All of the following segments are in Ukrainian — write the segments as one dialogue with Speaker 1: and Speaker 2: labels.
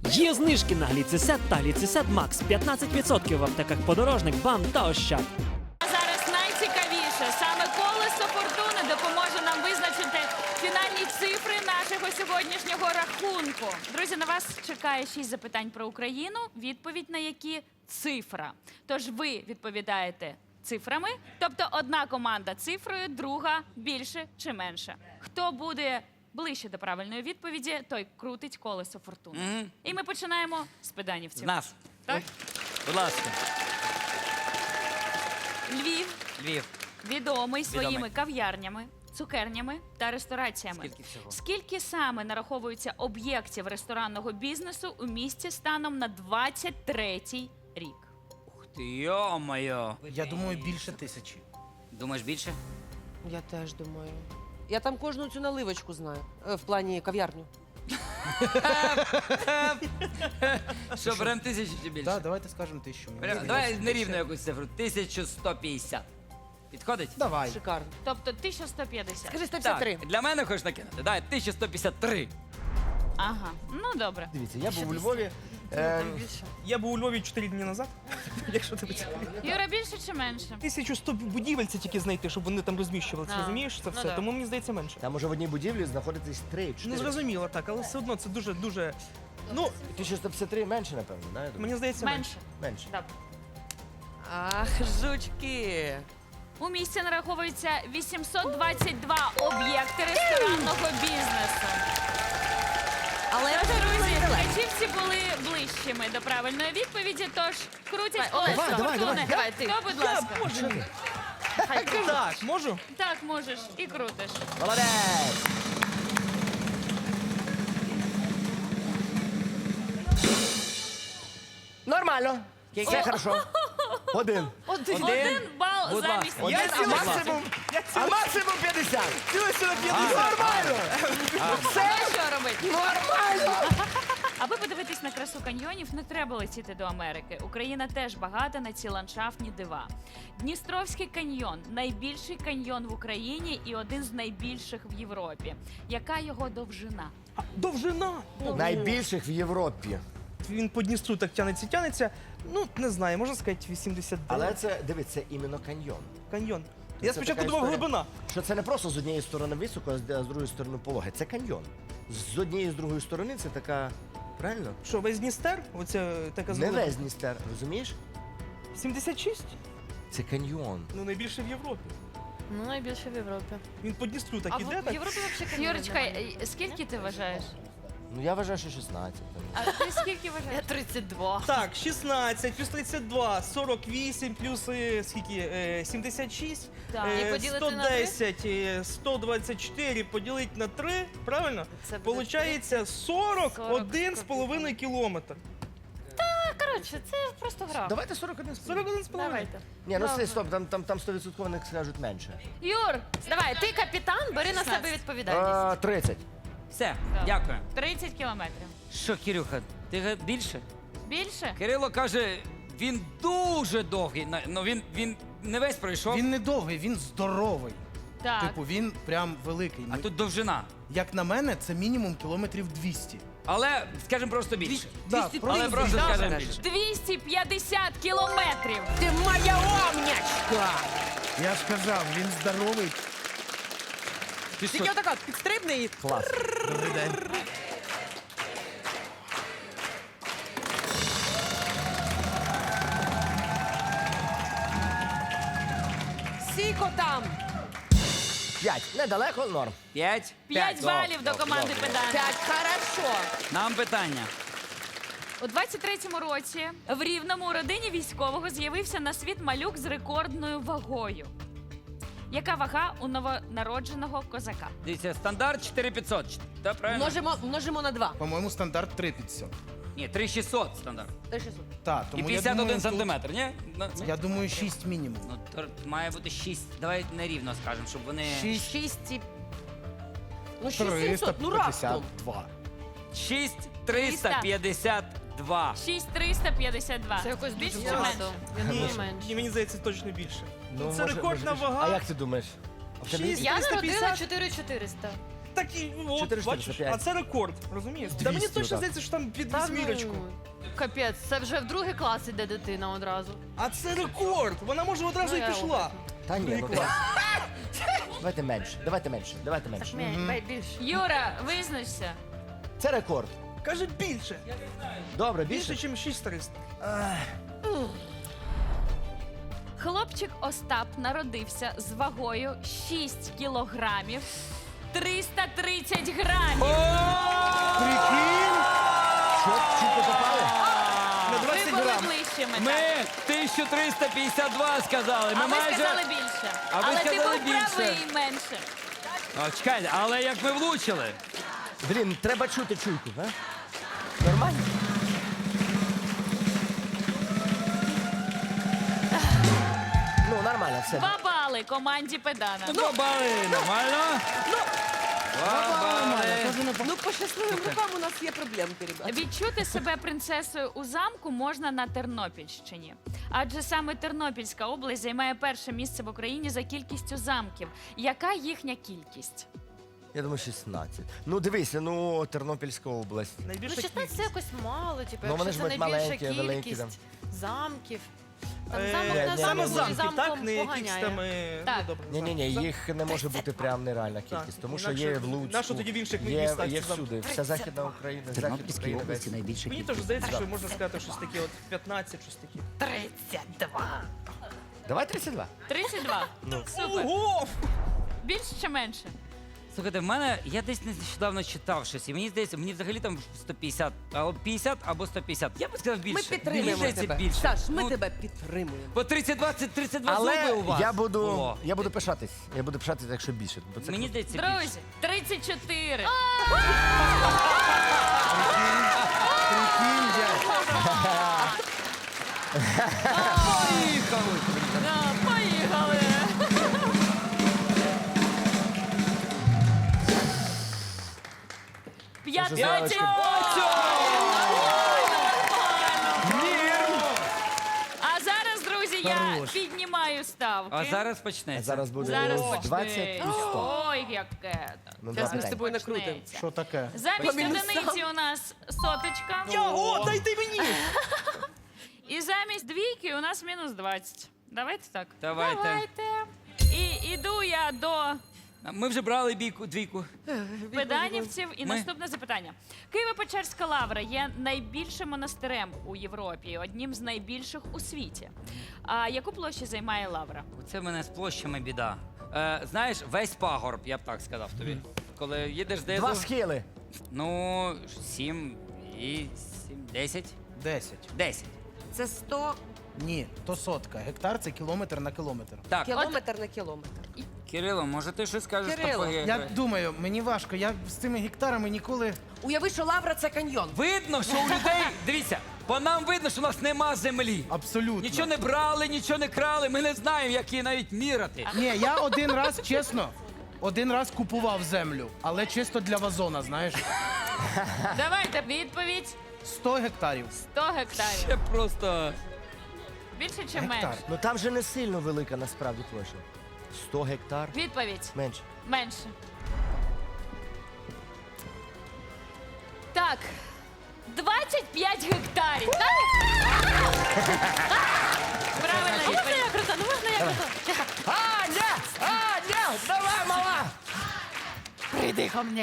Speaker 1: Є знижки на гліцесет та гліцесет Макс. 15% в аптеках Подорожник, БАМ та Ощад.
Speaker 2: А зараз найцікавіше. Саме колесо фортуни допоможе нам визначити фінальні цифри нашого сьогоднішнього рахунку. Друзі, на вас чекає 6 запитань про Україну, відповідь на які цифра. Тож ви відповідаєте цифрами, тобто одна команда цифрою, друга більше чи менше. Хто буде ближче до правильної відповіді, той крутить колесо фортуни. І ми починаємо з педанівців.
Speaker 3: З нас.
Speaker 2: Так?
Speaker 3: Будь ласка.
Speaker 2: Львів
Speaker 3: Львів.
Speaker 2: відомий своїми кав'ярнями, цукернями та рестораціями.
Speaker 3: Скільки всього?
Speaker 2: Скільки саме нараховується об'єктів ресторанного бізнесу у місті станом на 23-й рік?
Speaker 3: Ух ти, йо-моє.
Speaker 4: Я думаю, більше 1000.
Speaker 3: Думаєш більше?
Speaker 5: Я теж думаю. Я там кожну цю наливочку знаю. В плані кав'ярню.
Speaker 3: Що, беремо 1000 чи більше?
Speaker 4: Так, давайте скажемо 1000. мені
Speaker 3: Беремо-
Speaker 4: здається.
Speaker 3: Давай нерівну якусь цифру. 1150. Підходить?
Speaker 4: Давай.
Speaker 5: Шикарно.
Speaker 2: Тобто 1150.
Speaker 5: Скажи 153.
Speaker 3: Так, для мене хочеш накинути? Давай, 1153.
Speaker 2: Ага, ну добре.
Speaker 6: Дивіться, я був у Львові.
Speaker 7: Я був у Львові 4 дні назад, якщо тебе цікавить.
Speaker 2: Юра, більше чи менше?
Speaker 7: 1100 будівель це тільки знайти, щоб вони там розміщувалися,
Speaker 2: А,
Speaker 7: розумієш, це
Speaker 2: ну
Speaker 7: все.
Speaker 2: да.
Speaker 7: Тому мені здається менше.
Speaker 6: Там може в одній будівлі знаходитись 3-4.
Speaker 7: Не зрозуміло так, але все одно це дуже. Ну,
Speaker 6: 1153 менше, напевно, да? я думаю?
Speaker 7: мені здається менше.
Speaker 2: Менше.
Speaker 6: Менше.
Speaker 2: Добре.
Speaker 5: Ах, жучки.
Speaker 2: У місті нараховується 822 об'єкти ресторанного бізнесу.
Speaker 5: Але
Speaker 2: Тож, друзі, ткачівці були ближчими до правильної відповіді, тож крутять колесо
Speaker 6: давай,
Speaker 2: фортуни.
Speaker 5: давай, ти.
Speaker 2: Хто, будь ласка?
Speaker 7: Так, можу?
Speaker 2: Так, можеш і крутиш.
Speaker 6: Молодець! Нормально. Все хорошо. Один.
Speaker 2: Один бал
Speaker 3: Будь
Speaker 2: замість
Speaker 3: ласка.
Speaker 6: Я
Speaker 2: Юри.
Speaker 6: максимум, а максимум 50. Нормально.
Speaker 2: Що робити?
Speaker 6: Нормально.
Speaker 2: Аби подивитись на красу каньйонів, не треба летіти до Америки. Україна теж багата на ці ландшафтні дива. Дністровський каньйон – найбільший каньйон в Україні і один з найбільших в Європі. Яка його довжина?
Speaker 7: Довжина.
Speaker 6: Найбільших в Європі.
Speaker 7: Він по Дністру так тянеться. Ну, не знаю, можна сказати 89.
Speaker 6: Але це, дивіться, іменно каньйон.
Speaker 7: Каньйон.
Speaker 6: Це
Speaker 7: Я спочатку
Speaker 6: така
Speaker 7: думав
Speaker 6: історія.
Speaker 7: глибина.
Speaker 6: Що це не просто з однієї сторони високо, а з другої сторони пологи. Це каньйон. З однієї з другої сторони це така. Правильно?
Speaker 7: Що, весь Дністер? Оце така
Speaker 6: Не
Speaker 7: зелена.
Speaker 6: весь Дністер, розумієш?
Speaker 7: 76?
Speaker 6: Це каньйон.
Speaker 7: Ну, найбільше в Європі.
Speaker 8: Ну, найбільше в Європі.
Speaker 7: Він по Дністру так
Speaker 8: А
Speaker 7: іде,
Speaker 8: в
Speaker 7: так?
Speaker 8: Європі взагалі
Speaker 2: Юрочка, скільки ти вважаєш?
Speaker 6: Ну я вважаю, що 16.
Speaker 2: А ти скільки
Speaker 8: Я
Speaker 2: вважаєш?
Speaker 8: 32.
Speaker 7: Так, 16 плюс 32, 48 плюс скільки? 76,
Speaker 2: Так.
Speaker 8: І поділити на
Speaker 7: 110, 124 поділити на 3, правильно?
Speaker 8: Це буде
Speaker 7: Получається 41,5 кілометр.
Speaker 8: Коротше, це просто гра.
Speaker 6: Давайте 41
Speaker 7: 41,5.
Speaker 8: Давайте.
Speaker 6: Ні, ну це стоп, там 100% не скажуть менше.
Speaker 2: Юр,
Speaker 8: Давай, ти капітан, бери на себе відповідальність.
Speaker 6: 30.
Speaker 3: Все, дякую.
Speaker 2: 30 кілометрів.
Speaker 3: Що, Кирюха, ти більше?
Speaker 2: Більше?
Speaker 3: Кирило каже, він дуже довгий. Ну він не весь пройшов,
Speaker 4: Він не довгий, він здоровий.
Speaker 2: Так.
Speaker 4: Типу, він прям великий.
Speaker 3: а тут довжина.
Speaker 4: Як на мене, це мінімум кілометрів 200.
Speaker 3: Але скажемо просто більше.
Speaker 4: Так,
Speaker 3: Але просто скажемо більше.
Speaker 2: 250 кілометрів.
Speaker 5: ти моя умнячка!
Speaker 4: Я ж казав, він здоровий.
Speaker 3: Ти що?
Speaker 5: Тільки отака підстрибне і...
Speaker 6: Клас.
Speaker 4: Добрий день.
Speaker 5: Сіко там!
Speaker 6: 5. Недалеко, норм.
Speaker 3: 5?
Speaker 2: 5 балів до команди педант.
Speaker 5: 5, хорошо.
Speaker 3: Нам питання.
Speaker 2: У 23-му році в Рівному у родині військового з'явився на світ малюк з рекордною вагою. Яка вага у новонародженого козака?
Speaker 3: Дивіться, стандарт 4500. Так, правильно?
Speaker 5: Множимо на 2.
Speaker 4: По-моєму, стандарт 3500.
Speaker 3: Ні, 3600 стандарт.
Speaker 4: Так,
Speaker 3: І
Speaker 4: тому
Speaker 3: 51
Speaker 4: я думаю,
Speaker 3: сантиметр, ні?
Speaker 4: Я думаю, 6 мінімум.
Speaker 3: Ну, то має бути 6. Давай нерівно скажемо, щоб вони...
Speaker 4: 6
Speaker 5: 6 і... Ну, 6700, ну раптом.
Speaker 4: 352.
Speaker 3: 6352.
Speaker 2: 6352.
Speaker 8: Це якось
Speaker 2: більше
Speaker 8: дуже
Speaker 2: чи менше?
Speaker 8: багато. Я думаю,
Speaker 7: Ні,
Speaker 8: менше.
Speaker 7: мені здається, точно більше.
Speaker 6: Ну,
Speaker 7: Це рекордна
Speaker 6: більше.
Speaker 7: вага.
Speaker 6: А як ти думаєш? А в тебе
Speaker 7: Шість.
Speaker 8: Я народила
Speaker 7: 350?
Speaker 8: 4400.
Speaker 7: так і от,
Speaker 6: 445.
Speaker 7: бачиш, а це рекорд, розумієш? Та мені
Speaker 6: 200
Speaker 7: точно
Speaker 6: отак.
Speaker 7: здається, що там під
Speaker 8: Та
Speaker 7: вісьмірочку.
Speaker 8: ну, Капець, це вже в другий клас іде дитина одразу.
Speaker 7: А це рекорд! Вона може одразу
Speaker 8: Ну,
Speaker 7: і
Speaker 8: я
Speaker 7: пішла.
Speaker 6: Та ні,
Speaker 7: Другий
Speaker 6: ну
Speaker 7: клас.
Speaker 6: давайте менше, давайте менше, давайте менше.
Speaker 8: Більше.
Speaker 2: Юра, визначся.
Speaker 6: Це рекорд.
Speaker 7: Каже більше.
Speaker 6: Добре,
Speaker 7: Більше,
Speaker 6: більше?
Speaker 7: ніж 6300.
Speaker 2: Хлопчик Остап народився з вагою 6 кілограмів 330 грамів.
Speaker 4: Прикинь!
Speaker 6: Що, чітко попали?
Speaker 7: На
Speaker 2: Ви
Speaker 7: 20
Speaker 2: були
Speaker 7: грам.
Speaker 2: ближчими.
Speaker 3: Ми
Speaker 2: так.
Speaker 3: 1352 сказали. Ми
Speaker 2: А ви
Speaker 3: майже...
Speaker 2: сказали більше.
Speaker 3: А ви
Speaker 2: Але ти
Speaker 3: сказали
Speaker 2: був
Speaker 3: більше.
Speaker 2: правий менше.
Speaker 3: А, чекайте, але як ми влучили?
Speaker 6: Блін, треба чути чуйку, а? Нормально? Ну, нормально, все.
Speaker 2: 2 бали команді Педана.
Speaker 3: Ну, бали, нормально? Два бали.
Speaker 5: Ну, по щасливим рукам у нас є проблемки, ребята.
Speaker 2: Відчути себе принцесою у замку можна на Тернопільщині. Адже саме Тернопільська область займає перше місце в Україні за кількістю замків. Яка їхня кількість?
Speaker 6: Я думаю, 16. Ну, дивися, ну, Тернопільська область.
Speaker 8: Ну,
Speaker 7: Найбільша
Speaker 8: 16 це якось мало, типу,
Speaker 6: Ну, вони
Speaker 8: якщо
Speaker 6: ж
Speaker 8: це
Speaker 6: будуть
Speaker 8: найбільша
Speaker 6: маленькі, великі,
Speaker 8: кількість замків. Там
Speaker 7: Е,
Speaker 8: замок
Speaker 6: ні,
Speaker 8: на
Speaker 6: ні,
Speaker 7: Саме
Speaker 8: замку
Speaker 6: ні.
Speaker 8: і
Speaker 7: замки, так?
Speaker 8: замком
Speaker 7: Не якісь
Speaker 8: поганяє.
Speaker 7: там...
Speaker 2: Так.
Speaker 7: Ну, добре,
Speaker 6: Ні,
Speaker 7: замки.
Speaker 6: їх не може бути прям нереальна кількість, тому що
Speaker 7: Інакше-
Speaker 6: є в Луцьку,
Speaker 7: нащо тоді в інших
Speaker 6: є,
Speaker 7: містах
Speaker 6: є
Speaker 7: ці замки?
Speaker 6: всюди, вся Західна Україна,
Speaker 9: В
Speaker 6: Захід
Speaker 9: Тернопільській
Speaker 6: України.
Speaker 9: області найбільше
Speaker 7: Мені
Speaker 9: кількість.
Speaker 7: теж здається, що можна сказати щось таке, от 15, щось таке.
Speaker 8: 32.
Speaker 6: Давай 32.
Speaker 2: 32. Супер.
Speaker 7: Ого!
Speaker 2: Більше чи менше?
Speaker 3: Слухайте, в мене, я десь нещодавно читав щось, і мені здається, мені взагалі там 150, або 50, або 150. Я б сказав більше.
Speaker 5: Ми підтримуємо
Speaker 3: Мені здається,
Speaker 5: тебе.
Speaker 3: більше.
Speaker 5: Саш, ми
Speaker 3: Ну,
Speaker 5: тебе підтримуємо.
Speaker 3: По 32, це 32 зуби
Speaker 6: Але
Speaker 3: у вас
Speaker 6: я буду
Speaker 3: було.
Speaker 6: пишатись. Я буду пишатись, якщо більше. Бо це
Speaker 3: Мені
Speaker 6: круто.
Speaker 3: здається, більше.
Speaker 2: Друзі, 34.
Speaker 4: Прикинь, дядь.
Speaker 3: Поїхали!
Speaker 2: Да, поїхали.
Speaker 6: Дуже
Speaker 2: 15.
Speaker 6: залишки.
Speaker 2: А зараз, друзі, я
Speaker 4: Хорош.
Speaker 2: піднімаю ставки.
Speaker 3: А зараз почнеться.
Speaker 6: Зараз буде
Speaker 2: Зараз
Speaker 6: 20
Speaker 2: почнеться.
Speaker 6: і 100.
Speaker 2: Ой, яке.
Speaker 6: Ну,
Speaker 5: Зараз ми
Speaker 6: давай.
Speaker 5: з тобою накрутимо.
Speaker 2: Почнеться.
Speaker 4: Що таке?
Speaker 2: Замість
Speaker 5: По мінусам.
Speaker 2: одиниці у нас соточка.
Speaker 7: О, дайте мені!
Speaker 2: І замість двійки у нас мінус 20. Давайте так.
Speaker 3: Давайте.
Speaker 2: І іду я до
Speaker 3: Ми вже брали двійку.
Speaker 2: педанівців. І
Speaker 3: Ми-
Speaker 2: наступне запитання. Києво-Печерська лавра є найбільшим монастирем у Європі, одним з найбільших у світі. А яку площу займає лавра?
Speaker 3: Оце в мене з площами біда. Знаєш, весь пагорб, я б так сказав тобі. Коли їдеш десь.
Speaker 6: Два схили.
Speaker 3: Ну, 7 і 7, 10.
Speaker 4: 10.
Speaker 3: 10.
Speaker 5: Це 100
Speaker 4: Ні, то сотка. Гектар це кілометр на кілометр.
Speaker 3: Так,
Speaker 5: кілометр на кілометр.
Speaker 3: Кирило, може ти щось скажеш
Speaker 5: Кирило,
Speaker 3: такое?
Speaker 4: Я думаю, мені важко. Я з цими гектарами ніколи.
Speaker 5: Уяви, що лавра це каньйон.
Speaker 3: Видно, що у людей, дивіться, по нам видно, що у нас нема землі.
Speaker 4: Абсолютно.
Speaker 3: Нічого не брали, нічого не крали, ми не знаємо, як її навіть міряти.
Speaker 4: Ні, я один раз, чесно, один раз купував землю, але чисто для вазона, знаєш.
Speaker 2: Давайте відповідь
Speaker 4: 100 гектарів.
Speaker 2: 100 гектарів.
Speaker 3: Це просто.
Speaker 2: Більше чи
Speaker 4: Гектар.
Speaker 2: менше?
Speaker 6: Ну там же не сильно велика насправді площа. 100 гектар.
Speaker 2: Відповідь
Speaker 6: Менше.
Speaker 2: менше. Так. 25 гектарів. Так? Правильно
Speaker 8: Можна
Speaker 2: відповідь.
Speaker 8: я крута? Ну можна я крута?
Speaker 6: Аня! Давай, мала!
Speaker 8: Прийди ко мені.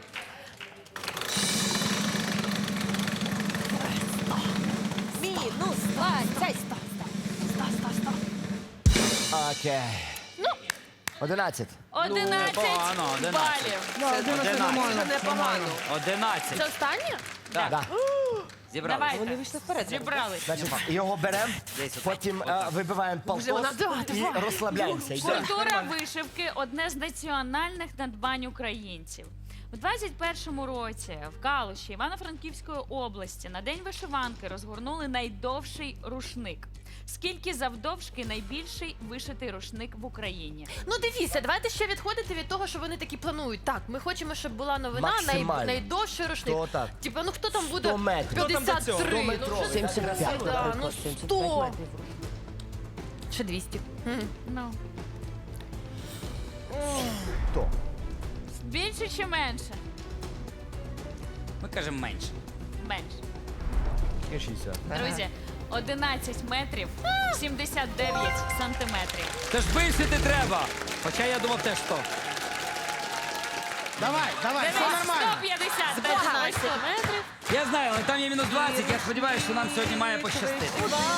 Speaker 5: Мінус 20.
Speaker 6: Окей. Ну. 11.
Speaker 2: 11
Speaker 3: непогано, 11.
Speaker 2: балів.
Speaker 5: Це непогано.
Speaker 3: 11.
Speaker 8: Це останнє?
Speaker 3: Так,
Speaker 6: Да.
Speaker 3: зібрали.
Speaker 5: Вони
Speaker 2: Давайте.
Speaker 5: вийшли вперед.
Speaker 2: Зібрали.
Speaker 6: Значить, його беремо,
Speaker 3: Десь отак.
Speaker 6: потім
Speaker 3: Отак.
Speaker 6: вибиваємо полтос і розслабляємося. Йдемо.
Speaker 2: Культура вишивки одне з національних надбань українців. У 21-му році в Калуші Івано-Франківської області на День вишиванки розгорнули найдовший рушник. Скільки завдовжки найбільший вишитий рушник в Україні?
Speaker 8: Ну дивіться, давайте ще відходити від того, що вони такі планують. Так, ми хочемо, щоб була новина
Speaker 6: Максимально.
Speaker 8: найдовший рушник.
Speaker 6: 100 так.
Speaker 8: Типа, ну хто там буде
Speaker 6: 100 метрів.
Speaker 7: Хто там до цього?
Speaker 8: 53?
Speaker 6: 100
Speaker 8: Ну,
Speaker 6: метрів.
Speaker 8: що
Speaker 5: 75,
Speaker 8: да, ну
Speaker 5: наприклад,
Speaker 8: 100. Чи 200.
Speaker 2: Ну,
Speaker 6: 100.
Speaker 2: Більше чи менше?
Speaker 3: Ми кажемо менше.
Speaker 2: Менше.
Speaker 6: 60.
Speaker 2: Друзі, 11 метрів 79 сантиметрів.
Speaker 3: Тож більше ти треба. Хоча я думав теж 100.
Speaker 4: Давай, давай, все
Speaker 2: Денис,
Speaker 4: нормально.
Speaker 2: 150 та 11 метрів.
Speaker 3: Я знаю, але там є мінус 20. Я сподіваюся, що нам сьогодні має пощастити.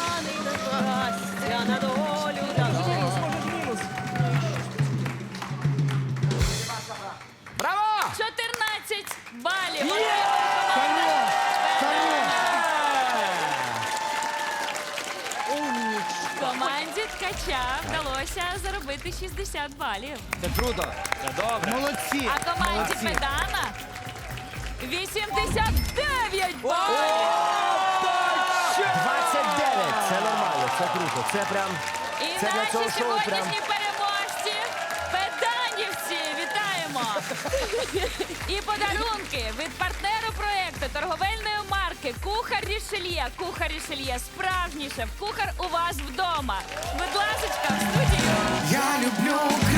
Speaker 3: Браво!
Speaker 2: 14 балів.
Speaker 4: Хорош, хорош.
Speaker 2: Команді Ткача вдалося заробити 60 балів.
Speaker 3: Це круто. Це добре.
Speaker 4: Молодці.
Speaker 2: А команді
Speaker 4: молодці.
Speaker 2: Педана 89 балів.
Speaker 6: 29. Це нормально, це круто. Це прям.
Speaker 2: І
Speaker 6: Це для
Speaker 2: наші
Speaker 6: цього шоу прям.
Speaker 2: сьогоднішні переможці Педанівці. Вітаємо! І подарунки від партнеру проекту торговельної марки Кухар Рішельє. Кухар Рішельє, справжній шеф-кухар у вас вдома. Будь ласочка, в студію.
Speaker 9: Я люблю Україну.